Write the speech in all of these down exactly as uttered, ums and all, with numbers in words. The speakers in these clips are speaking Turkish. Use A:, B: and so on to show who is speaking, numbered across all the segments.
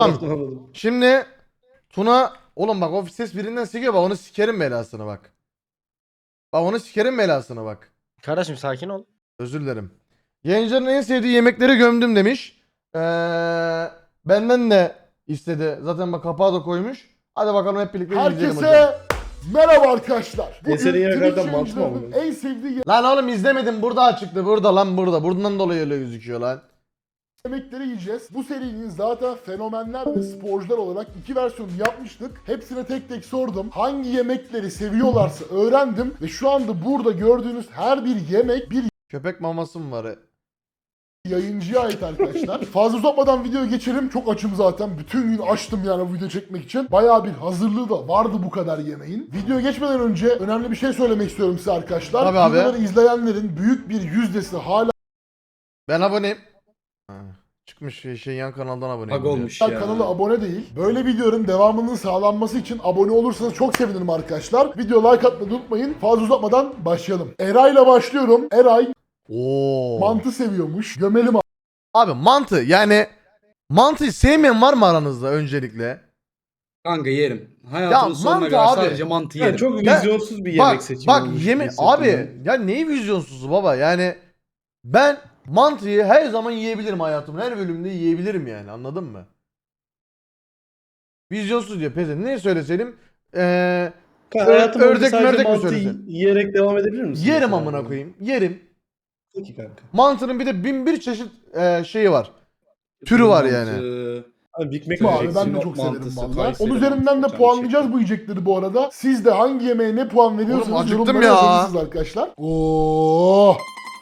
A: Tamam. Şimdi Tuna oğlum bak o ses birinden sikiyor bak onu sikerim belasını bak. Bak onu sikerim belasını bak.
B: Kardeşim sakin ol.
A: Özür dilerim. Yayıncıların en sevdiği yemekleri gömdüm demiş. Ee, benden de istedi. Zaten bak kapağı da koymuş. Hadi bakalım hep birlikte izleyelim hocam.
C: Herkese merhaba arkadaşlar. Bugün
A: Eserin
C: Twitch
A: yerlerden mantı mı
C: yayıncılarının en sevdiği
A: Lan oğlum izlemedim burada açıktı burada lan burada. Buradan dolayı öyle gözüküyor lan.
C: yemekleri yiyeceğiz. Bu serinin zaten fenomenler ve sporcular olarak iki versiyonu yapmıştık. Hepsine tek tek sordum. Hangi yemekleri seviyorlarsa öğrendim. Ve şu anda burada gördüğünüz her bir yemek bir
A: Köpek maması mı var?
C: yayıncıya ait arkadaşlar. Fazla uzatmadan videoya geçelim. Çok açım zaten. Bütün gün açtım yani bu video çekmek için. Bayağı bir hazırlığı da vardı bu kadar yemeğin. Videoya geçmeden önce önemli bir şey söylemek istiyorum size arkadaşlar.
A: Tabii abi.
C: Videoları izleyenlerin büyük bir yüzdesi hala
A: Ben aboneyim. Ha, çıkmış şey, şey yan kanaldan aboneyim.
D: Bug olmuş
C: Hala
D: ya.
C: kanala abone değil. Böyle videoların devamının sağlanması için abone olursanız çok sevinirim arkadaşlar. Video like atmayı unutmayın. Fazla uzatmadan başlayalım. Eray'la başlıyorum. Eray
A: Oo.
C: mantı seviyormuş. Gömelim abi.
A: Abi mantı yani mantıyı sevmeyen var mı aranızda öncelikle?
D: Kanka yerim. Hayatımın
A: Ya
D: sonuna
A: mantı
D: kadar
A: abi.
D: sadece mantı
E: Ya
D: yerim.
E: çok
A: Ya,
E: vizyonsuz bir
A: Bak
E: yemek seçimi
A: bak
E: olmuş
A: yeme
E: gibi hissettim
A: abi
E: ben.
A: ya neyi vizyonsuzu baba yani ben mantıyı her zaman yiyebilirim hayatımın her bölümünde yiyebilirim yani anladın mı? Vizyonsuz diyor peze ne söyleseydim eee
E: Kanka,
A: Ö-
E: hayatım boyunca
A: ördek
E: sadece
A: mördek mi
E: mantı
A: söylesen?
E: yiyerek devam edebilir misin?
A: yerim
E: mesela?
A: amına koyayım yerim.
E: Peki kanka.
A: Mantının bir de bin bir çeşit eee, şeyi var. Türü var yani.
D: Mantı,
E: Abi Big Mac
D: Abi,
C: Abi
E: yiyeceksin.
C: ben de
D: Sinop
C: çok severim
D: mantısı,
C: valla.
D: Kayseri
C: Onun üzerinden de
D: mantısı,
C: puanlayacağız
D: canım
C: bu yiyecekleri bu arada. Siz de hangi yemeğe ne puan veriyorsunuz
A: Oğlum, acıktım
C: yorumlara
A: ya.
C: yazabilirsiniz arkadaşlar. Oo.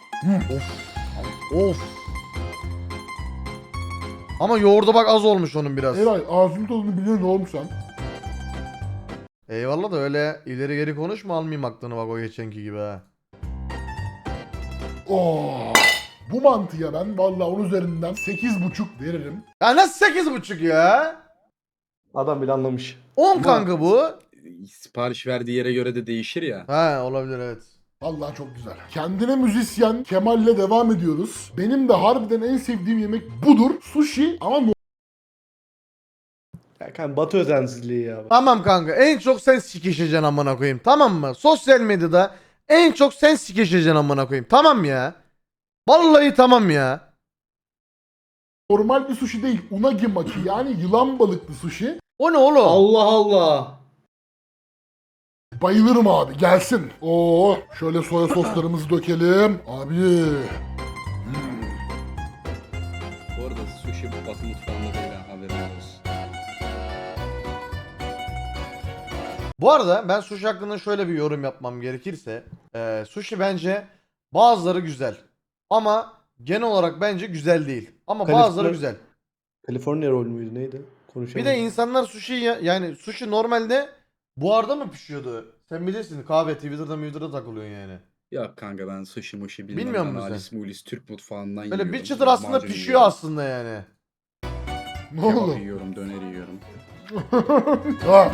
A: Of. Ama yoğurda bak az olmuş onun biraz.
C: Eray ağzının tadını biliyor ne olmuş sen?
A: Eyvallah da öyle ileri geri konuşma almayayım aklını bak o geçenki gibi ha.
C: Oo. Bu mantıya ben valla onun üzerinden sekiz buçuk veririm.
A: Ya nasıl sekiz buçuk ya?
E: Adam bile anlamış.
A: on
D: Ama-
A: kanka bu.
D: Sipariş verdiği yere göre de değişir ya.
A: Ha olabilir evet.
C: Vallahi çok güzel. Kendine müzisyen Kemal'le devam ediyoruz. Benim de harbiden en sevdiğim yemek budur. Sushi ama no-
E: Ya kanka Batı özensizliği ya.
A: Tamam kanka en çok sen sikişeceksin amına koyayım tamam mı? Sosyal medyada en çok sen sikişeceksin amına koyayım tamam ya. Vallahi tamam ya.
C: normal bir sushi değil. Unagi maki yani yılan balıklı sushi.
A: O ne oğlum?
D: Allah Allah.
C: Bayılırım abi gelsin. Oo şöyle soya soslarımızı dökelim. Abi.
D: Bu arada sushi batı mutfağında değil ha, haberin olsun.
A: Bu arada ben sushi hakkında şöyle bir yorum yapmam gerekirse. E, sushi bence bazıları güzel. Ama genel olarak bence güzel değil. Ama
E: Kaliforniya-
A: bazıları güzel.
E: California roll müydü neydi? Konuşalım.
A: Bir de insanlar sushi ya- yani sushi normalde buharda mı pişiyordu? Sen bilirsin kahve Twitter'da Twitter'da takılıyorsun yani.
D: Ya kanka ben sushi mushi bilmem.
A: Bilmiyor
D: ben
A: musun sen?
D: Alice Mulis Türk mutfağından
A: Böyle
D: yiyorum.
A: bir çıtır aslında
D: lahmacun
A: pişiyor
D: yiyorum,
A: aslında yani.
C: Ne
D: Kebap
C: oldu?
D: yiyorum, döner yiyorum.
C: Ha.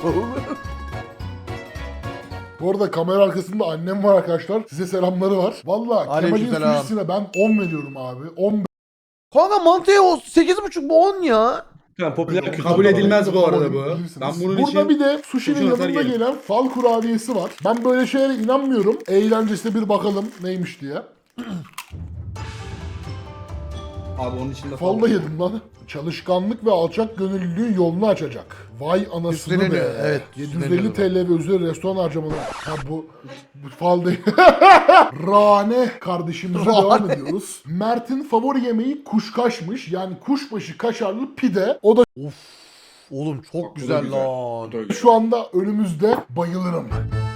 C: Bu arada kamera arkasında annem var arkadaşlar. Size selamları var. Valla Kemal'in
A: Aleykümselam.
C: sushisine ben on veriyorum abi. on
A: Kanka mantıya o sekiz buçuk bu on ya.
E: Kanka popüler kültür.
D: Kabul
E: falan.
D: edilmez bu arada bu.
C: Bilirsiniz.
D: Ben bunun
C: Burada
D: için
C: bir de sushi'nin
D: kurşun atar
C: yanında
D: yerim.
C: gelen fal kurabiyesi var. Ben böyle şeylere inanmıyorum. Eğlencesine bir bakalım neymiş diye.
D: Abi onun içinde
C: Fal da yedim lan. Çalışkanlık ve alçak gönüllülüğün yolunu açacak. Vay anasını
A: Üstleniyor,
C: be.
A: evet,
C: yedi yüz elli
A: üstleniyor.
C: T L ve üzeri restoran harcamaları. Ha bu, bu fal değil. Rane kardeşimize
A: Rane.
C: devam ediyoruz. Mert'in favori yemeği kuşkaşmış. Yani kuşbaşı kaşarlı pide. O da
A: Of. Oğlum çok
D: Bak, bu da
A: güzel,
D: güzel.
A: lan.
D: Bu da güzel.
C: şu anda önümüzde, bayılırım.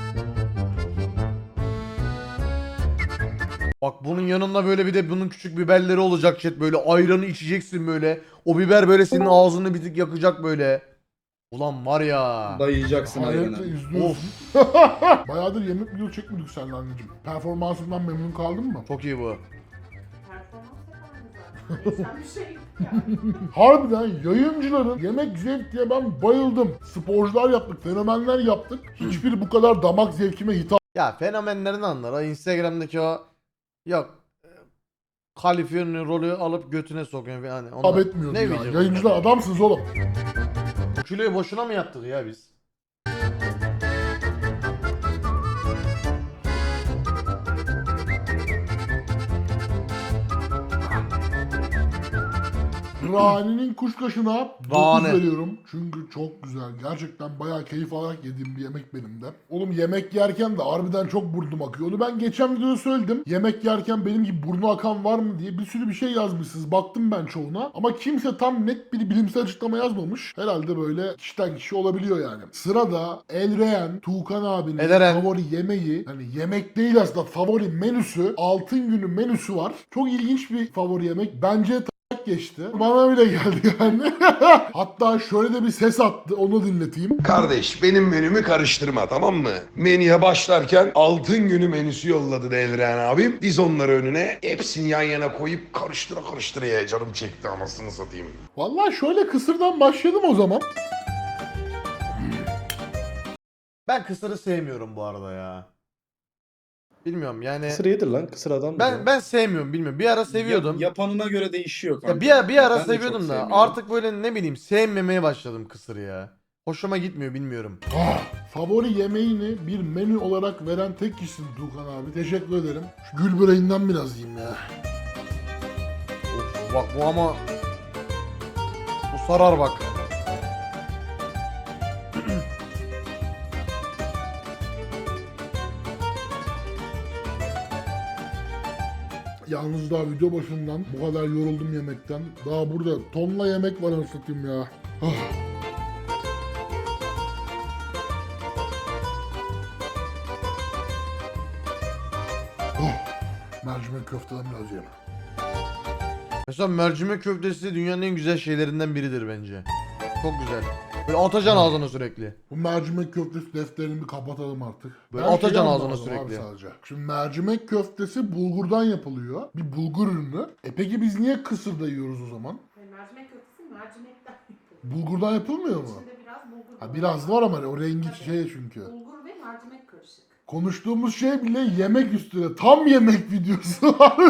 A: Bak bunun yanında böyle bir de bunun küçük biberleri olacak chat böyle ayranı içeceksin böyle. O biber böyle senin ağzını bir tık yakacak böyle. Ulan var ya.
D: Dayayacaksın
C: Hayretle
D: ayranı.
C: izliyorsun.
A: Of
C: Bayağıdır yemek video çekmedik seninle anneciğim. Performansından memnun kaldın mı?
A: çok iyi bu.
F: Performans yapan bir şey.
C: Harbiden yayıncıların yemek zevk diye ben bayıldım. Sporcular yaptık, fenomenler yaptık. Hiçbiri bu kadar damak zevkime hitap
A: Ya fenomenlerin anlar o Instagram'daki o yok Kaliforniya rolü alıp götüne sokuyor yani.
C: hitap
A: Onlar...
C: etmiyordu
A: Ne
C: ya.
A: bileyim.
C: Yayıncılar adamsınız oğlum.
A: Bu kiloyu boşuna mı yaptık ya biz?
C: Rani'nin kuşkaşına
A: Rani.
C: dokuz veriyorum. Çünkü çok güzel. Gerçekten bayağı keyif alarak yediğim bir yemek benim de. Oğlum yemek yerken de harbiden çok burnum akıyor. Onu ben geçen videoda söyledim. Yemek yerken benim gibi burnu akan var mı diye bir sürü bir şey yazmışsınız. Baktım ben çoğuna. Ama kimse tam net bir bilimsel açıklama yazmamış. Herhalde böyle kişiden kişi olabiliyor yani. Sırada Elreyen, Tuğkan abinin
A: Eleren.
C: favori yemeği, hani yemek değil aslında favori menüsü, Altın Günü menüsü var. Çok ilginç bir favori yemek. Bence geçti. Bana bile geldi yani. Hatta şöyle de bir ses attı. Onu dinleteyim.
B: Kardeş benim menümü karıştırma, tamam mı? Menüye başlarken altın günü menüsü yolladı Devren abim. Biz onları önüne hepsini yan yana koyup karıştıra karıştıra ye. Canım çekti, anasını satayım.
C: Vallahi şöyle kısırdan başladım o zaman.
A: Ben kısırı sevmiyorum bu arada ya. Bilmiyorum yani.
E: Kısır yedir lan. Kısır adam.
A: Ben ben sevmiyorum, bilmiyorum. Bir ara seviyordum.
D: Yap- yapanına göre değişiyor kanka.
A: Ya bir, ara- bir ara
D: Ben de çok
A: seviyordum da
D: sevmiyorum.
A: artık böyle ne bileyim sevmemeye başladım kısırı ya. Hoşuma gitmiyor, bilmiyorum.
C: Ah, favori yemeğini bir menü olarak veren tek kişisin Tuğkan abi. Teşekkür ederim. Şu gül böreğinden biraz yiyeyim ya.
A: Of, bak bu ama bu sarar bak.
C: Yalnız daha video başından bu kadar yoruldum yemekten. Daha burada tonla yemek var anasatayım ya. Ah. Oh, mercimek köfteden biraz yiyeyim.
A: Mesela mercimek köftesi dünyanın en güzel şeylerinden biridir bence. Çok güzel. Böyle atacaksın ağzına sürekli.
C: Bu mercimek köftesi defterini bir kapatalım artık.
A: Böyle
C: Ben
A: atacaksın
C: şeyi
A: ağzına
C: anlamadım
A: sürekli.
C: abi sadece. Şimdi mercimek köftesi bulgurdan yapılıyor. Bir bulgur ürünü. E peki biz niye kısırda yiyoruz o zaman?
F: Yani mercimek köftesi mercimekten yapılıyor.
C: Bulgurdan yapılmıyor mu?
F: İçinde biraz bulgur
C: Ha,
F: var.
C: biraz var ama o rengi şey çünkü.
F: Bulgur ve mercimek karışık.
C: Konuştuğumuz şey bile yemek üstüne. Tam yemek videosu var.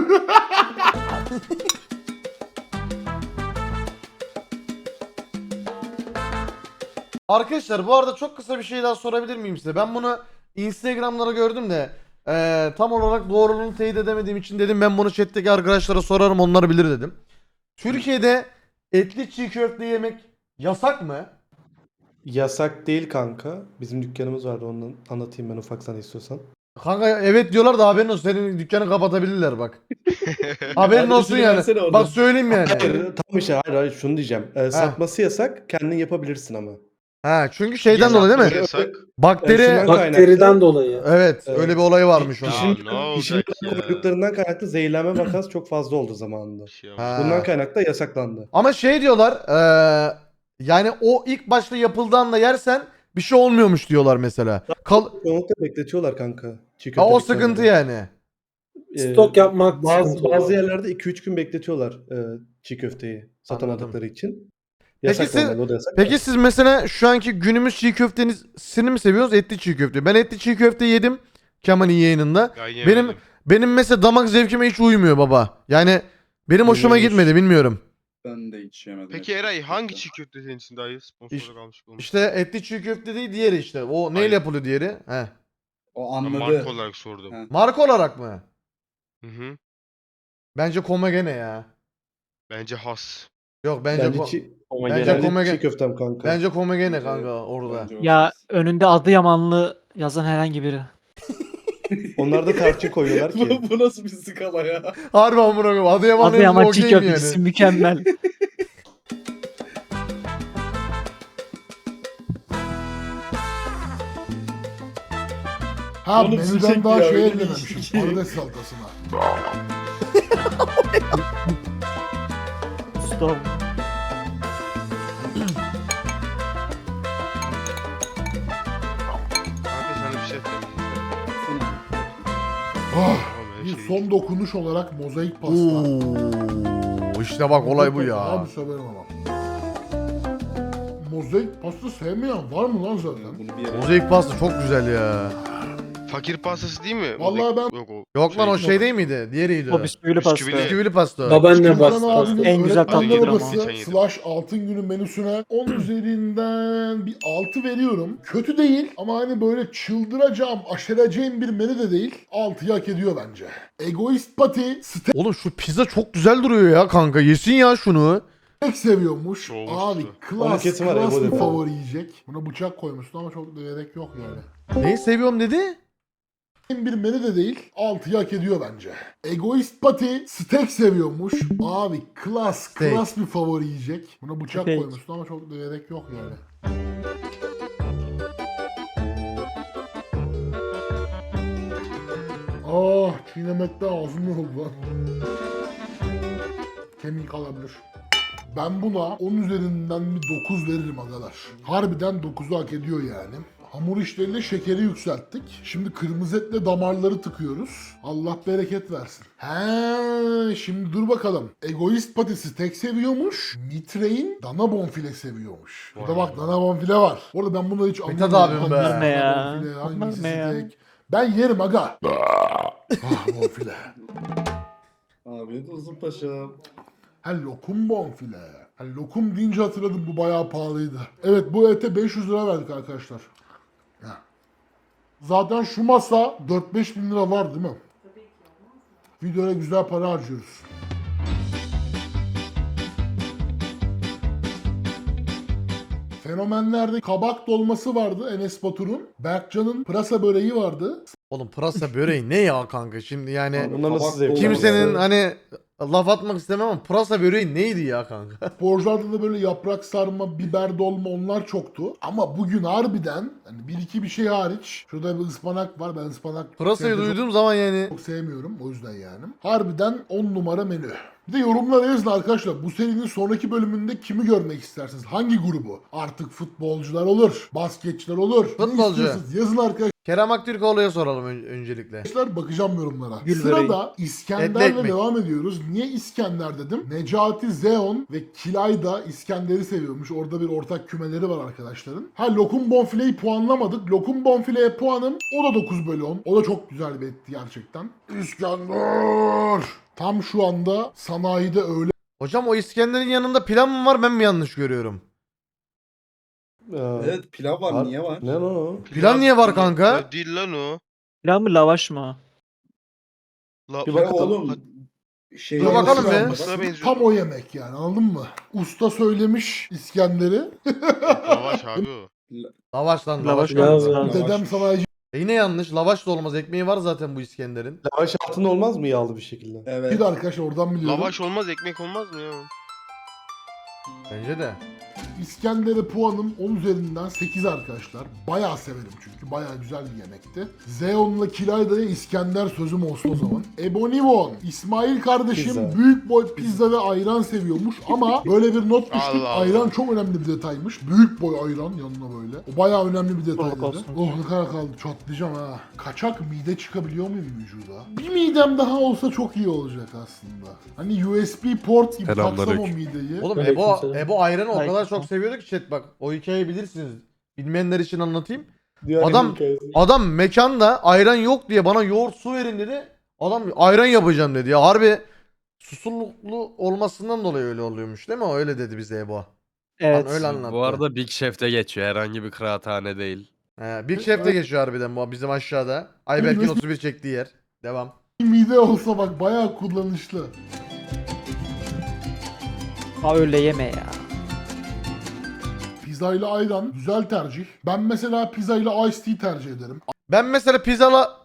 A: Arkadaşlar bu arada çok kısa bir şey daha sorabilir miyim size? Ben bunu Instagram'lara gördüm de eee, tam olarak doğruluğunu teyit edemediğim için dedim ben bunu chat'teki arkadaşlara sorarım, onlar bilir dedim. Türkiye'de etli çiğ köfte yemek yasak mı?
E: Yasak değil kanka. Bizim dükkanımız vardı, ondan anlatayım ben ufaktan istiyorsan.
A: Kanka evet diyorlar da haberin olsun, senin dükkanı kapatabilirler bak. Haberin
E: Hadi
A: olsun
E: üstüne
A: yani.
E: versene oradan.
A: Bak söyleyeyim yani.
E: Hayır, tam işte hayır hayır şunu diyeceğim. Ee, satması yasak, kendin yapabilirsin ama.
A: Ha çünkü şeyden dolayı değil mi?
G: Yasak.
A: Bakteri
E: Şundan
H: Bakteriden
E: kaynaklı-
H: dolayı.
A: evet,
E: Evet.
A: öyle bir olay varmış onun.
E: Pişirme,
G: Ya, ne
E: pişirme
G: olacak ya?
E: koyduklarından kaynaklı zehirlenme vakası çok fazla oldu zamanında.
G: Şey
A: Ha.
E: Bundan kaynaklı da yasaklandı.
A: Ama şey diyorlar eee, yani o ilk başta yapıldığında yersen bir şey olmuyormuş diyorlar mesela. Kal
E: Çoğunlukla bekletiyorlar kanka. Çiğ
A: ha,
E: köfte
A: o
E: dükkanında.
A: sıkıntı yani.
E: Ee,
H: Stok yapmak
E: Bazı,
H: sıkıntı
E: bazı
H: oluyor.
E: yerlerde iki üç gün bekletiyorlar e, çiğ köfteyi satamadıkları için.
A: Peki
E: Yasak
A: siz-
E: normalde, o da yasak.
A: Peki siz mesela şu anki günümüz çiğ köftesini mi seviyorsunuz, etli çiğ köfte? Ben etli çiğ köfte yedim Kemal'in yayınında.
G: Ben
A: Benim
G: yemedim.
A: benim mesela damak zevkime hiç uymuyor baba. Yani benim hoşuma
E: Uymuyormuş.
A: gitmedi, bilmiyorum.
D: Ben de hiç yemedim.
G: Peki Eray hangi çiğ köfte senin için daha iyi? Sponsorluk almış bu.
A: İşte etli çiğ köfte değil, diğeri işte. O neyle
G: Hayır.
A: yapılıyor diğeri? He.
D: O
G: Ben
D: anladı.
G: marka olarak sordum.
D: Ha.
A: Marka olarak mı?
G: Hı hı.
A: Bence Komagene ya.
G: Bence has.
A: Yok bence
E: Bence,
A: ko-
E: çiğ,
A: bence
E: bence
A: Komagene-
E: çiğ köftem kanka.
A: bence Komagene
D: Bence-
A: kanka orada.
D: Bence o
I: Ya
D: ses.
I: önünde Adıyamanlı yazan herhangi biri.
E: Onlar da tarçın koyuyorlar ki.
D: bu, bu nasıl bir skala ya?
A: Harbi amına koyayım. Adıyaman'ın
I: Adıyaman
A: okey
I: çiğ
A: mi
I: köftesi
A: yani?
I: mükemmel.
C: Ha
D: Oğlum
C: menüden
D: sıcak
C: daha
D: ya,
C: şey
D: öyle
C: eklememişim.
D: değil ki.
C: Patates salatasına.
I: Stop.
G: Kanka sana bir şey söyleyeyim.
C: Ah,
G: Oğlum, her
C: bir
G: şey
C: son dokunuş olarak mozaik pasta.
A: Oo, işte bak olay bu ya.
C: Abi severim ama. Mozaik pasta sevmeyen var mı lan zaten?
D: Bunu bir yere...
A: Mozaik pasta çok güzel ya.
G: Fakir pastası değil mi?
C: Vallahi ben-
G: Yok o.
A: Yok lan o
G: Şey-
A: şey değil miydi? Diğeriydi o.
I: O bisküvili pasta.
G: Bisküvili.
A: Bisküvili pasta. o.
H: Babaanne
C: Furkan
H: bastı.
C: abinin
I: En güzel
C: öğretmenler
I: tatlıdır ama.
C: odası
G: Geçen yedim.
C: slash altın günü menüsüne on üzerinden bir altı veriyorum. Kötü değil ama hani böyle çıldıracağım, aşereceğim bir menü de değil. altıyı hak ediyor bence. Egoist Pati steak
A: Oğlum şu pizza çok güzel duruyor ya kanka. Yesin ya şunu.
C: seviyormuş.
G: Çoğumuştu.
C: Abi
E: Onun
C: klas,
E: kesin var,
C: klas
E: Ego
C: bir
E: dedi.
C: favori yiyecek. Buna bıçak koymuşsun ama çok da gerek yok yani.
A: Neyi seviyorum dedi?
C: Bir menü de değil. altıyı hak ediyor bence. Egoist Pati steak seviyormuş. Abi klas,
A: Steak.
C: klas bir favori yiyecek. Buna bıçak
I: Steak.
C: koymuşsun ama çok da gerek yok yani. Ah, çiğnemekte ağzım yoruldu lan. Kemik alabilir. Ben buna on üzerinden bir dokuz veririm agalar. Harbiden dokuzu hak ediyor yani. Hamur işleriyle şekeri yükselttik. Şimdi kırmızı etle damarları tıkıyoruz. Allah bereket versin. He, şimdi dur bakalım. Egoist patisi tek seviyormuş. Mitrein dana bonfile seviyormuş. Burada bak dana bonfile var. Orada ben bunları hiç
A: Mithat
C: anlamıyorum.
A: abim be.
C: Hangisi
I: Bunlar ne
C: dana
I: ya?
C: bonfile,
I: Bunlar
C: hangisi
I: ne ya?
C: steak. Ben yerim aga. Ah bonfile.
H: Afiyet olsun paşam.
C: Ha lokum bonfile. Ha lokum deyince hatırladım, bu bayağı pahalıydı. Evet, bu ete beş yüz lira verdik arkadaşlar. Ya. Zaten şu masa dört beş bin lira var değil mi?
F: Tabii ki olmaz mı?
C: Videoya güzel para harcıyoruz. Fenomenlerde kabak dolması vardı Enes Batur'un. Berkcan'ın pırasa böreği vardı.
A: Oğlum pırasa böreği ne ya kanka şimdi yani
E: Bunlar nasıl
H: Kabak
E: zevk?
H: dolması.
A: kimsenin hani laf atmak istemem ama pırasa böreği neydi ya kanka?
C: Sporcularda da böyle yaprak sarma, biber dolma onlar çoktu. Ama bugün harbiden hani bir iki bir şey hariç. Şurada bir ıspanak var. Ben ıspanak
A: Pırasayı
C: sevdim, çok-
A: duyduğum zaman yani
C: çok sevmiyorum o yüzden yani. Harbiden on numara menü. Bir de yorumlara yazın arkadaşlar. Bu serinin sonraki bölümünde kimi görmek istersiniz? Hangi grubu? Artık futbolcular olur, basketçiler olur. Ne
A: Futbolcu.
C: istiyorsunuz? Yazın arkadaşlar.
A: Kerem Aktürkoğlu'ya soralım ön- öncelikle.
C: Bakacağım yorumlara.
I: Gül
C: Sırada
A: Etli
C: İskender'le
A: ekmek.
C: devam ediyoruz. Niye İskender dedim? Necati Zeon ve Kilay da İskender'i seviyormuş. Orada bir ortak kümeleri var arkadaşların. Ha lokum bonfileyi puanlamadık. Lokum bonfileye puanım o da dokuz bölü on. O da çok güzel bir etti gerçekten. İskender! Tam şu anda sanayide öyle
A: Hocam o İskender'in yanında pilav mı var ben mi yanlış görüyorum?
E: Ee,
H: Evet pilav var,
E: var.
H: niye var?
E: Ne lan o?
A: Pilav niye var kanka?
G: Ya değil lan o.
I: Pilav mı lavaş mı?
G: La,
E: Bir
H: Ya
E: bakalım.
H: oğlum şey
A: Dur bakalım be.
G: Lavaşa benziyor.
C: tam o yemek yani, anladın mı? Usta söylemiş İskender'i.
G: Lavaş abi o.
A: Lavaş lan
I: Lavaş
A: lavaş.
I: mı?
A: kanka.
H: Lavaş.
C: Dedem sanayici
A: E yine yanlış. Lavaş da olmaz. Ekmeği var zaten bu İskender'in.
E: Lavaş altında olmaz mı yağlı bir şekilde?
H: Evet.
C: de arkadaşlar, oradan biliyorum.
G: Lavaş olmaz ekmek olmaz mı ya?
A: Bence de.
C: İskender'e puanım on üzerinden sekiz arkadaşlar. Bayağı severim çünkü. Bayağı güzel bir yemekti. Zeon'la Kilayda'ya İskender sözüm olsun o zaman. Ebonivon, İsmail kardeşim
E: Pizza.
C: büyük boy pizza ve ayran seviyormuş ama böyle bir not düştük.
G: Allah Allah.
C: Ayran çok önemli bir detaymış. Büyük boy ayran yanına böyle. O bayağı önemli bir detay
I: Sağlık
C: dedi.
I: olsun.
C: Oh ne kadar kaldı, çatlayacağım ha. Kaçak mide çıkabiliyor muyum vücuda? Bir midem daha olsa çok iyi olacak aslında. Hani U S B port gibi taksam o mideyi.
A: Oğlum
I: Aleyküm
A: Ebo,
I: selam.
A: Ebo ayranı o kadar
I: Aleyküm
A: çok seviyordu ki chat bak. O hikayeyi bilirsiniz. Bilmeyenler için anlatayım.
E: Dünyanın
A: Adam-
E: en hikayesi.
A: Adam mekanda ayran yok diye bana yoğurt su verin dedi. Adam ayran yapacağım dedi ya. Harbi susurluklu olmasından dolayı öyle oluyormuş değil mi? O öyle dedi bize Ebo.
I: Evet.
A: Lan öyle anlattı.
J: Bu arada Big Chef'te geçiyor. Herhangi bir kıraathane değil.
A: He, Big Chef'te geçiyor harbiden bu bizim aşağıda. Ayberk'in otuz bir çektiği yer. Devam.
C: Mide olsa bak bayağı kullanışlı.
I: Ha öyle yeme ya.
C: Pizza ile ayran güzel tercih. Ben mesela pizza ile iced tea tercih ederim.
A: Ben mesela pizzala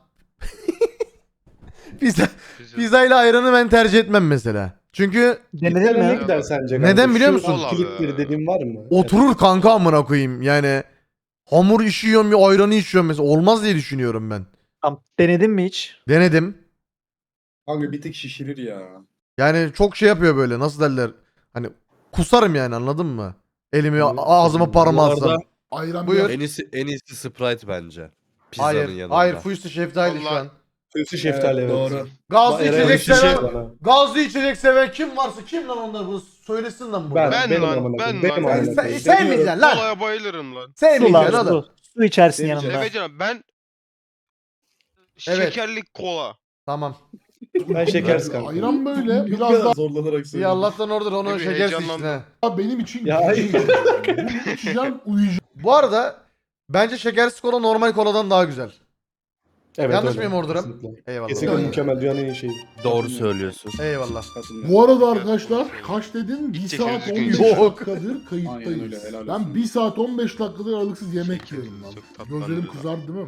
A: pizza
G: Pizza.
A: pizza ile ayranı ben tercih etmem mesela. Çünkü
I: Denedin
E: Gitar'a ne
I: mi?
E: gider sence?
A: Neden
E: kanka?
A: biliyor
E: Şu
A: musun?
E: kilit bir dediğin var mı?
A: oturur kanka amına koyayım. Yani hamur işiyorum ya ayranı içiyorum mesela. Olmaz diye düşünüyorum ben.
I: Tamam. Denedin mi hiç?
A: Denedim.
H: Kanka bir tık şişirir ya.
A: Yani çok şey yapıyor böyle nasıl derler. Hani kusarım yani anladın mı? Elimi
E: Evet.
A: ağzıma parmağı
J: Bu arada-
A: alsam.
C: Ayran
A: Buyur.
C: biraz-
J: En iyisi, en iyisi Sprite bence. Pizzanın
A: Hayır.
J: yanında.
A: Hayır Fuyusu şeftali şu
G: Vallahi-
A: an.
E: Kötü şeftali evet.
H: Doğru.
A: Gazlı
E: Eren
A: içecek
E: şişe
A: seven,
E: bana.
A: gazlı içecek seven kim varsa kim lan onlar bu söylesin lan burada.
E: Ben,
G: Ben
E: benim
G: lan,
E: amına koyayım,
G: ben
E: benim
G: lan.
E: amına
A: Sen,
E: koyayım.
A: sevmeyeceksin lan.
G: Kolaya bayılırım lan.
A: Sevmeyeceksin
I: Su,
A: oğlum.
I: su. Su içersin
H: Seveceğim.
I: yanında.
G: Seveceğim ben
A: Evet.
G: Şekerli kola.
A: Tamam.
E: Ben şekersiz kanka.
C: Ayran böyle
H: Bu
C: biraz
H: kadar
C: daha
H: zorlanarak
A: İyi
H: söylüyorum.
A: Allah'tan oradır onu
G: Tabii,
A: şekersiz içtin
G: heyecanlandım.
A: ha.
C: benim için
E: Ya
C: gece
E: hayır.
C: içeceğim. Bunu içeceğim, uyuyacağım.
A: Bu arada bence şekersiz kola normal koladan daha güzel.
E: Evet,
A: Yanlış
E: öyle.
A: mıyım Ordu'ram?
E: Kesinlikle.
A: Eyvallah.
E: Kesinlikle
C: Yani.
E: mükemmel, dünyanın en iyi şeyi.
J: Doğru söylüyorsun.
A: Eyvallah.
H: Katılıyorum.
C: Bu arada arkadaşlar kaç dedin? bir
G: İçecek
C: saat
G: düzgün
C: on beş
A: iç.
C: dakikadır kayıttayız.
H: Aynen öyle, helal
C: Ben
H: olsun.
C: bir saat on beş dakikadır aralıksız yemek
G: Çok-
C: yiyorum lan.
G: çok tatlı
C: Gözlerim
G: anlıyor.
C: kızardı değil mi?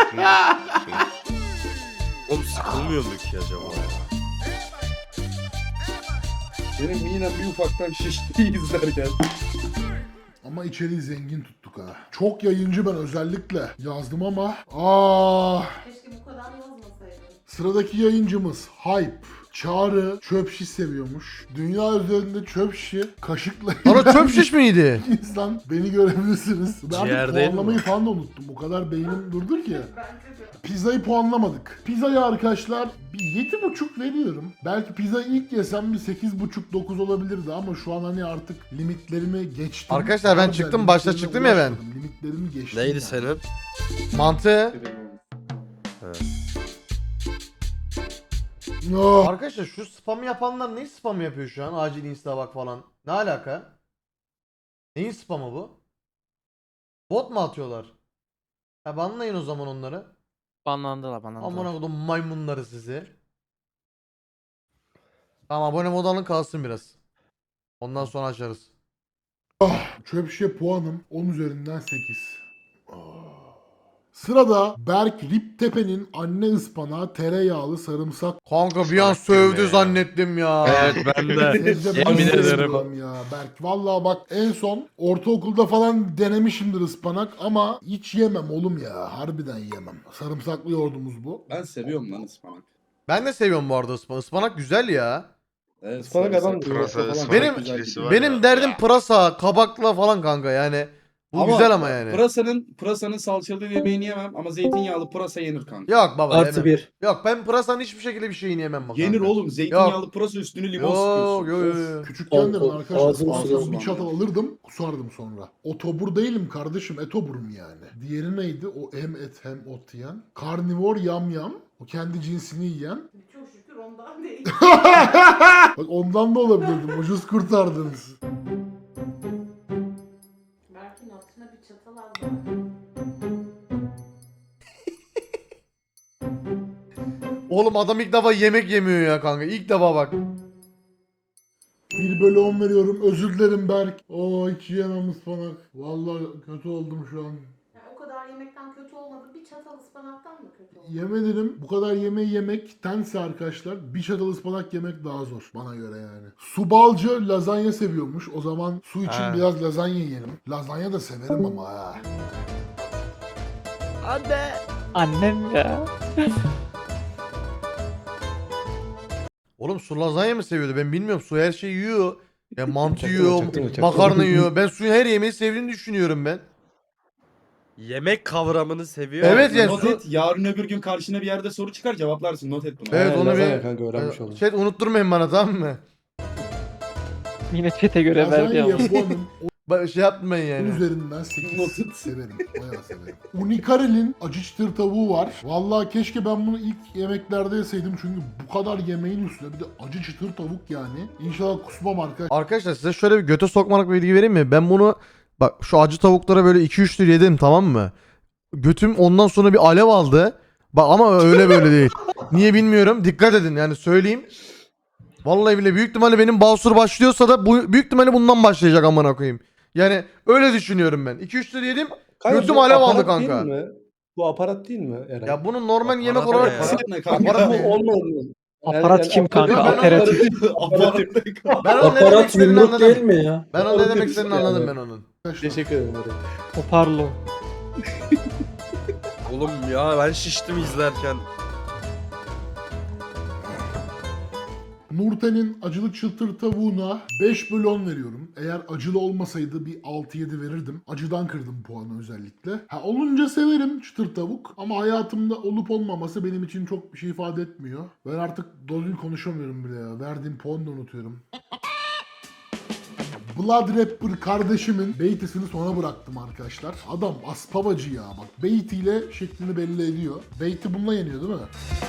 J: Oğlum sıkılmıyor mu ki acaba ya?
H: Benim midem bir ufaktan şişti izlerken.
C: Ama içeriği zengin tuttuk ha. Çok yayıncı ben özellikle yazdım ama aa
F: Keşke bu kadar yazmasaydın.
C: sıradaki yayıncımız Hype. Çağrı çöp şiş seviyormuş. Dünya üzerinde çöp şişi kaşıkla
A: Ana çöp şiş miydi?
C: insan beni görebilirsiniz. Ben
J: Ciğer
C: artık
J: değil mi?
C: puanlamayı falan da unuttum. O kadar beynim durdur ki.
F: Bence de.
C: Pizzayı puanlamadık. Pizzayı arkadaşlar bir yedi buçuk veriyorum. Belki pizza ilk yesem bir sekiz buçuk dokuz olabilirdi ama şu an hani artık limitlerimi geçtim.
A: Arkadaşlar ben
C: Harbiden
A: çıktım, başta
C: limitlerime
A: çıktım ya ben.
C: ulaşmadım. Limitlerimi geçtim.
J: Neydi
C: yani.
J: senin?
A: Mantı.
C: Oh.
A: Arkadaşlar şu spam yapanlar ne spam yapıyor şu an? Acil insta bak falan. Ne alaka? Neyin spamı bu? Bot mu atıyorlar? Ha banlayın o zaman onları.
I: Banlandılar banlandılar.
A: Amına kodum maymunları sizi. Tamam abone mod alın kalsın biraz. Ondan sonra açarız.
C: Çöp şişe puanım on üzerinden sekiz. Sırada Berk Riptepe'nin anne ıspanağı tereyağlı sarımsak.
A: Kanka bir an
G: Salak
A: sövdü
G: girme ya.
A: zannettim ya.
J: Evet ben de.
C: Sebze ben
J: Yemin ederim.
C: sevmiyorum ya Berk. Vallahi bak en son ortaokulda falan denemişimdir ıspanak ama hiç yemem oğlum ya. Harbiden yemem. Sarımsaklı yoğurdumuz bu.
H: Ben seviyorum lan ıspanak.
A: Ben de seviyorum bu arada ıspanak. Ispanak güzel ya.
H: Evet,
E: Ispanak
H: sarımsak,
E: adam-
H: pırasa
G: Pırasa,
H: falan
G: ıspanak
A: Benim-
H: güzel
G: ikilisi
H: gidiyor.
G: var
A: Benim
G: ya.
A: derdim pırasa, kabakla falan kanka yani. Bu güzel ama yani.
H: Pırasanın, pırasanın salçalı yemeğini yemem ama zeytinyağlı pırasa yenir kanka.
A: Yok baba
I: Artı
A: yemem.
I: bir.
A: Yok ben pırasanın hiçbir şekilde bir şeyini yemem bak
H: Yenir
A: kanka.
H: oğlum, zeytinyağlı pırasa üstüne limon
A: Yok
H: sıkıyorsun.
A: yok
H: Of.
A: yok.
C: Küçükken de ben
I: Al- al-
C: arkadaşlar
I: ağzım
C: ağzıma
H: sulandı.
C: bir çatal alırdım kusardım sonra. Otobur değilim kardeşim etoburum yani. Diğeri neydi? O hem et hem ot yiyen. Karnivor yamyam. O kendi cinsini yiyen.
F: Çok şükür ondan değil.
C: Bak ondan da olabilirdim. Ucuz kurtardınız.
F: Berk'in altına bir çatal al. bari.
A: Oğlum adam ilk defa yemek yemiyor ya kanka. İlk defa bak.
C: bir bölü on veriyorum. Özür dilerim Berk. Oo hiç yiyemem ıspanak. Vallahi kötü oldum şu an.
F: Yani o kadar yemekten kötü olmadı. Bir çatal ıspanaktan mı kötü oldu?
C: Yemedim. Bu kadar yemeği yemektense arkadaşlar bir çatal ıspanak yemek daha zor. Bana göre yani. Su balcı lazanya seviyormuş. O zaman su için
A: Ha.
C: biraz lazanya yiyelim. Lazanya da severim ama ha.
I: Annem ya.
A: Oğlum su lazanya mı seviyordu? Ben bilmiyorum. Su her şeyi yiyor. Ya mantı
E: Çaktırma,
A: yiyor,
E: çaktırma, çaktırma.
A: makarna yiyor. Ben suyun her yemeği sevdiğini düşünüyorum ben.
J: Yemek kavramını seviyor.
A: Evet yani
H: Not
A: su...
H: et, yarın öbür gün karşına bir yerde soru çıkar cevaplarsın, not et bunu.
A: Evet
E: Aynen,
A: onu
E: lazanya
A: bir...
E: kanka, öğrenmiş oldum.
A: Chat unutturmayın bana tamam mı?
I: Yine çete göre verdi
C: Lazanyayı
I: ama.
C: puanım
A: Ba- Şey yapmayın
C: on
A: yani.
C: üzerinden sekiz. Severim. Bayağı severim. Unikarel'in acı çıtır tavuğu var. Vallahi keşke ben bunu ilk yemeklerde yeseydim çünkü bu kadar yemeğin üstüne bir de acı çıtır tavuk yani. İnşallah kusmam arkadaşlar.
A: Arkadaşlar size şöyle bir göte sokmalık bir bilgi vereyim mi? Ben bunu bak şu acı tavuklara böyle iki üç tür yedim tamam mı? Götüm ondan sonra bir alev aldı. Bak ama öyle böyle değil. Niye bilmiyorum. Dikkat edin yani söyleyeyim. Vallahi bile büyük ihtimalle benim basur başlıyorsa da bu büyük ihtimalle bundan başlayacak amına koyayım. Yani öyle düşünüyorum ben. iki üç tür yedim.
E: Kanka,
A: Götüm
E: bu
A: alev aldı
E: aparat değil
A: kanka.
E: mi? Bu aparat değil mi Eren?
A: Ya bunun normal yemek
J: Aparat
A: olarak
J: ne ya?
H: Aparat ne kanka?
A: Aparat
E: bu
A: ne?
E: olmadı mı?
I: Aparat kim kanka?
A: Ben onu-
I: Aperatif.
H: Aparat ne kanka?
A: ben onun ne demek istediğini anladım.
I: mi ya?
A: Ben onun ne
E: Onu
A: demek
E: demiş
A: istediğini
E: yani.
A: anladım ben onun.
E: Teşekkür ederim Eren.
I: Hoparlo.
J: Oğlum ya ben şiştim izlerken.
C: Nurten'in acılı çıtır tavuğuna beş bölü on veriyorum. Eğer acılı olmasaydı bir altı yedi verirdim. Acıdan kırdım puanı özellikle. Ha olunca severim çıtır tavuk. Ama hayatımda olup olmaması benim için çok bir şey ifade etmiyor. Ben artık doğru konuşamıyorum bile ya. Verdiğim puanı da unutuyorum. Blood Rapper kardeşimin beytisini sona bıraktım arkadaşlar. Adam aspavacı ya bak. Beytiyle şeklini belli ediyor. Beyti bununla yeniyor değil mi?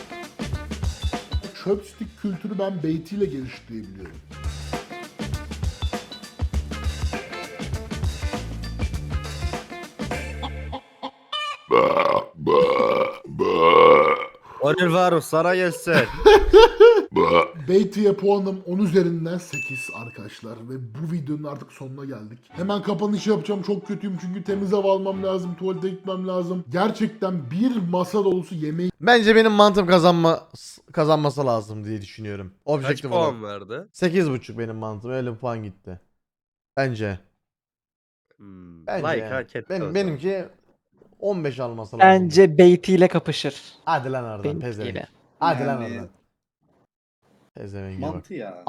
C: Chopstick kültürü ben beytiyle gelişti diye biliyorum.
J: Onur Varus sana gelsin.
C: Beyti'ye puanım on üzerinden sekiz arkadaşlar ve bu videonun artık sonuna geldik. Hemen kapanış yapacağım, çok kötüyüm çünkü temiz hava almam lazım, tuvalete gitmem lazım. Gerçekten bir masa dolusu yemeği
A: Bence benim mantım kazanma kazanması lazım diye düşünüyorum.
J: Kaç
A: Objektif olarak.
J: puan verdi?
A: sekiz buçuk benim mantım. Öyle bir puan gitti. Bence.
J: Hmm,
A: Bence
J: like
A: yani.
J: hak etti o
A: Benim,
J: zaman.
A: benimki on beş alması lazım.
I: Bence Beatty ile kapışır.
A: Hadi lan oradan
I: Benimkiyle.
A: pezevenk. Hadi lan
H: Yani-
A: oradan. Pezevenk bak.
H: Mantı ya.